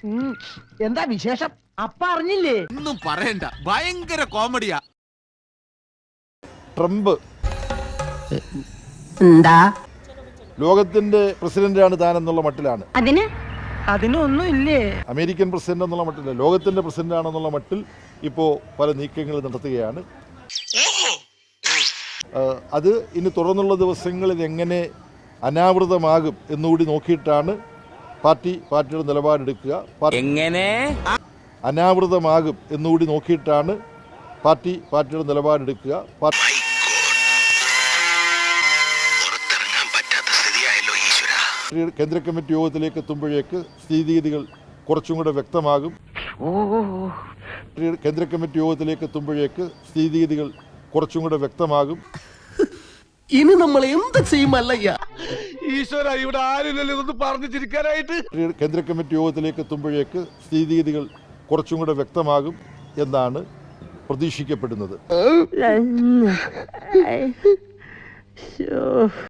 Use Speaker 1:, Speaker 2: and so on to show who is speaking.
Speaker 1: എന്താ വിശേഷം? അപ്പ അറിഞ്ഞില്ലേ?
Speaker 2: ഒന്നും പറയണ്ട, ഭയങ്കര കോമഡിയാ.
Speaker 3: ട്രംപ്
Speaker 1: എന്താ
Speaker 3: ലോകത്തിന്റെ പ്രസിഡന്റാണ് താൻ എന്നുള്ള മട്ടിലാണ്.
Speaker 1: അതിനൊന്നും ഇല്ലേ?
Speaker 3: അമേരിക്കൻ പ്രസിഡന്റ് എന്നുള്ള മട്ടില്ല, ലോകത്തിന്റെ പ്രസിഡന്റ് ആണെന്നുള്ള മട്ടിൽ ഇപ്പോൾ പല നീക്കങ്ങൾ നടത്തുകയാണ്. അത് ഇനി തുടർന്നുള്ള ദിവസങ്ങളിൽ എങ്ങനെ അനാവൃതമാകും എന്നുകൂടി നോക്കിയിട്ടാണ് പാർട്ടിയുടെ നിലപാടെടുക്കുക.
Speaker 2: എങ്ങനെ
Speaker 3: അനാവൃതമാകും എന്നുകൂടി നോക്കിയിട്ടാണ് പാർട്ടിയുടെ നിലപാടെടുക്കുക. കേന്ദ്ര കമ്മിറ്റി യോഗത്തിലേക്ക് എത്തുമ്പോഴേക്ക് സ്ഥിതിഗതികൾ കുറച്ചും കൂടെ വ്യക്തമാകും. കേന്ദ്ര കമ്മിറ്റി യോഗത്തിലേക്ക് എത്തുമ്പോഴേക്ക് സ്ഥിതിഗതികൾ കുറച്ചും കൂടെ വ്യക്തമാകും.
Speaker 4: ഇനി നമ്മൾ എന്ത് ചെയ്യുമല്ലയ്യ?
Speaker 5: ഈശ്വര, ഇവിടെ ആരില്ലല്ലോ ഇതൊന്ന് പറഞ്ഞു ചിരിക്കാനായിട്ട്.
Speaker 3: കേന്ദ്ര കമ്മിറ്റി യോഗത്തിലേക്ക് എത്തുമ്പോഴേക്ക് സ്ഥിതിഗതികൾ കുറച്ചും കൂടെ വ്യക്തമാകും എന്നാണ് പ്രതീക്ഷിക്കപ്പെടുന്നത്.